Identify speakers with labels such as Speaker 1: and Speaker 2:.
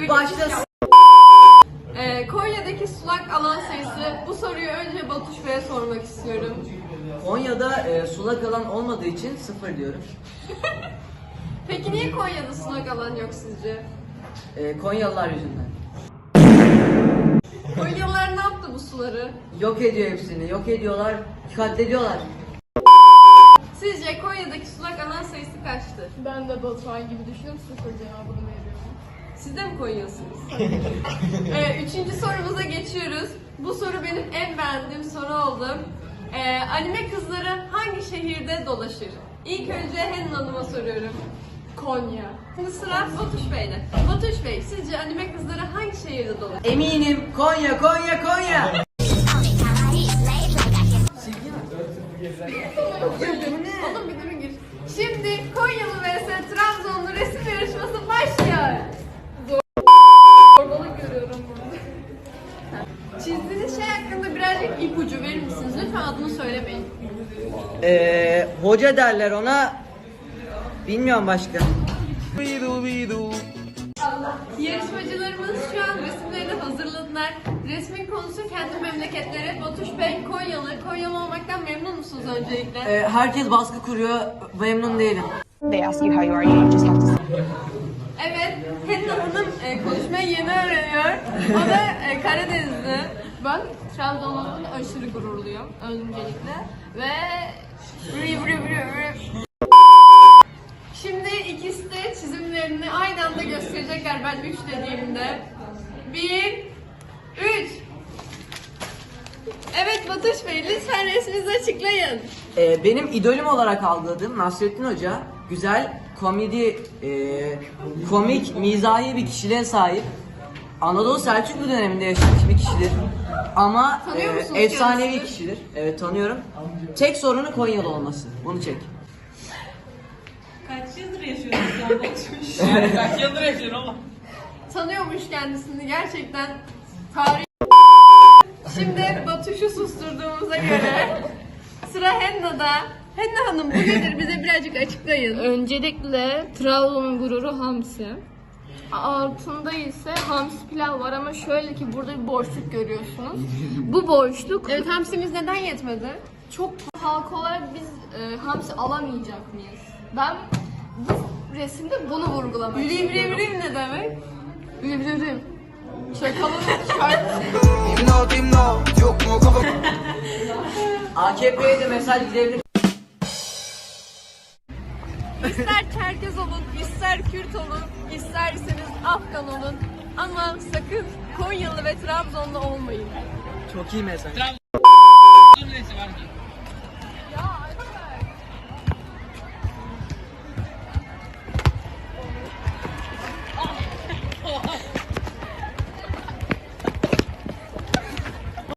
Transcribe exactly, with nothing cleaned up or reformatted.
Speaker 1: Başlasın.
Speaker 2: Ee, Konya'daki sulak alan sayısı, bu soruyu önce Batuş Bey'e sormak istiyorum.
Speaker 1: Konya'da e, sulak alan olmadığı için sıfır diyorum.
Speaker 2: Peki niye Konya'da sulak alan yok sizce?
Speaker 1: E, Konyalılar yüzünden.
Speaker 2: Konyalılar ne yaptı bu suları?
Speaker 1: Yok ediyor hepsini, yok ediyorlar, katlediyorlar.
Speaker 2: Sizce Konya'daki sulak alan sayısı kaçtır?
Speaker 3: Ben de Batuhan gibi düşünüyorum, sıfır cevabını veriyorum.
Speaker 2: Siz de mi Konyalısınız? ee, üçüncü sorumuza geçiyoruz. Bu soru benim en beğendiğim soru oldu. Ee, anime kızları hangi şehirde dolaşır? İlk önce Henin Hanım'a soruyorum.
Speaker 3: Konya.
Speaker 2: Şimdi sıra Batuş Bey'de. Batuş Bey, sizce anime kızları hangi şehirde dolaşır?
Speaker 1: Eminim Konya, Konya, Konya.
Speaker 2: Oğlum bir durun gir. Şimdi Konyalı vs Trabzonlu resim yarışması başlıyor.
Speaker 3: Zorbalık görüyorum burada.
Speaker 2: Çizdiğiniz şey hakkında birazcık ipucu verir misiniz? Lütfen adını söylemeyin.
Speaker 1: Ee, hoca derler ona. Bilmiyorum başka.
Speaker 2: Yarışmacılarımız şu an resimlerini hazırladılar. Resmin konusu kendi memleketleri. Batuş Bey Konyalı. Konyalı olmaktan memnun musunuz öncelikle?
Speaker 1: Ee, herkes baskı kuruyor, memnun değilim.
Speaker 4: They ask you how you are, you just have to say.
Speaker 2: Evet, Henna Hanım e, konuşmayı yeni öğreniyor. O da e, Karadenizli.
Speaker 3: Ben Trabzon olduğumda aşırı gururluyum öncelikle. Ve
Speaker 2: Vri vri vri vri. Şimdi ikisi de çizimlerini aynı anda gösterecekler ben üç dediğimde. Bir, üç. Evet Batuş Bey, lütfen resminizi açıklayın.
Speaker 1: Ee, benim idolüm olarak algıladığım Nasrettin Hoca güzel, komedi, e, komik, mizahi bir kişiliğe sahip. Anadolu Selçuklu döneminde yaşamış bir kişidir. Ama
Speaker 2: Tanıyor
Speaker 1: e,
Speaker 2: musunuz
Speaker 1: efsanevi
Speaker 2: kendisini?
Speaker 1: kişidir. Evet tanıyorum. Tek sorunu Konyalı olması. Bunu çek.
Speaker 5: Kaç yıldır yaşıyorsun sen Batuş? Yani kaç yıldır yaşıyorsun oğlum?
Speaker 2: Tanıyormuş kendisini gerçekten tarih. Şimdi Batuş'u susturduğumuza göre sıra Henna'da. Henna Hanım bu nedir? Bize birazcık açıklayın.
Speaker 3: öncelikle Trabzon'un gururu hamsi. Altında ise hamsi pilav var ama şöyle ki burada bir boşluk görüyorsunuz. Bu boşluk
Speaker 2: Evet, hamsimiz neden yetmedi?
Speaker 3: çok halk olarak biz e, hamsi alamayacak mıyız? Ben bu resimde bunu vurgulamak
Speaker 2: Vri vri
Speaker 3: istiyorum.
Speaker 2: vri ne demek?
Speaker 3: Üvrim. Çakalın şart.
Speaker 1: A K P'ye de mesaj gidebilir.
Speaker 2: İster Çerkez olun, ister Kürt olun, isterseniz Afgan olun. Ama sakın Konyalı ve Trabzonlu olmayın.
Speaker 1: Çok iyi mesaj.